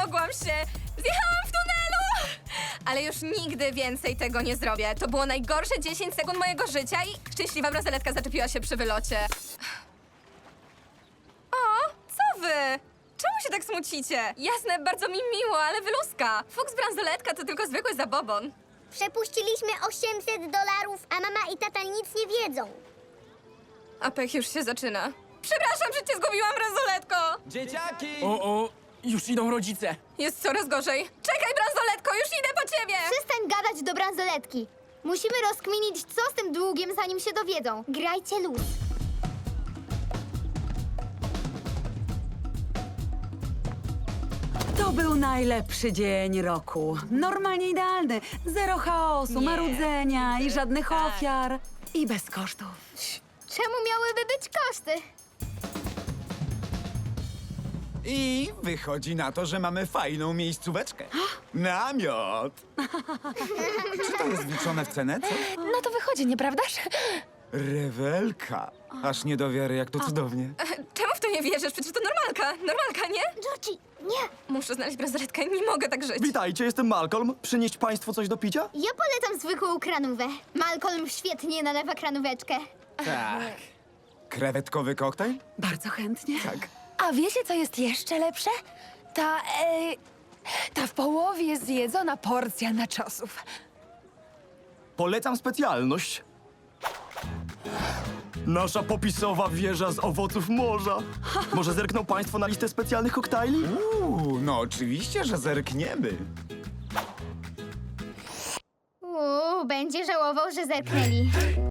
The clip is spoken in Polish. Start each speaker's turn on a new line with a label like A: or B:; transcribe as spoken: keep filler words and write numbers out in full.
A: mogłam się! Zjechałam w tunelu! Ale już nigdy więcej tego nie zrobię. To było najgorsze dziesięć sekund mojego życia i szczęśliwa bransoletka zaczepiła się przy wylocie. O, co wy? Czemu się tak smucicie? Jasne, bardzo mi miło, ale wyluska. Fuks bransoletka to tylko zwykły zabobon.
B: Przepuściliśmy osiemset dolarów, a mama i tata nic nie wiedzą.
A: A pech już się zaczyna. Przepraszam, że cię zgubiłam, bransoletko!
C: Dzieciaki!
D: O, o, już idą rodzice.
A: Jest coraz gorzej. Czekaj, bransoletko, już idę po ciebie!
E: Przestań gadać do bransoletki. Musimy rozkminić, co z tym długiem, zanim się dowiedzą. Grajcie luz.
F: To był najlepszy dzień roku. Normalnie idealny. Zero chaosu,
A: Nie.
F: marudzenia i żadnych
A: Tak.
F: ofiar. I bez kosztów.
E: Czemu miałyby być koszty?
C: I wychodzi na to, że mamy fajną miejscóweczkę. Namiot! Czy to jest wliczone w cenę, co?
A: No to wychodzi, nieprawdaż?
C: Rewelka! Aż nie do wiary, jak to cudownie.
A: Czemu w to nie wierzysz? Przecież to normalka. Normalka, nie?
E: Georgie, nie.
A: Muszę znaleźć bransoletkę, nie mogę tak żyć.
G: Witajcie, jestem Malcolm. Przynieść państwu coś do picia?
E: Ja polecam zwykłą kranówę. Malcolm świetnie nalewa kranóweczkę.
C: Tak. Krewetkowy koktajl?
F: Bardzo chętnie.
C: Tak.
H: A wiecie, co jest jeszcze lepsze? Ta, e, ta w połowie zjedzona porcja naczosów.
G: Polecam specjalność. Nasza popisowa wieża z owoców morza. Może zerkną państwo na listę specjalnych koktajli?
C: Uuu, no oczywiście, że zerkniemy.
E: Uuu, będzie żałował, że zerknęli.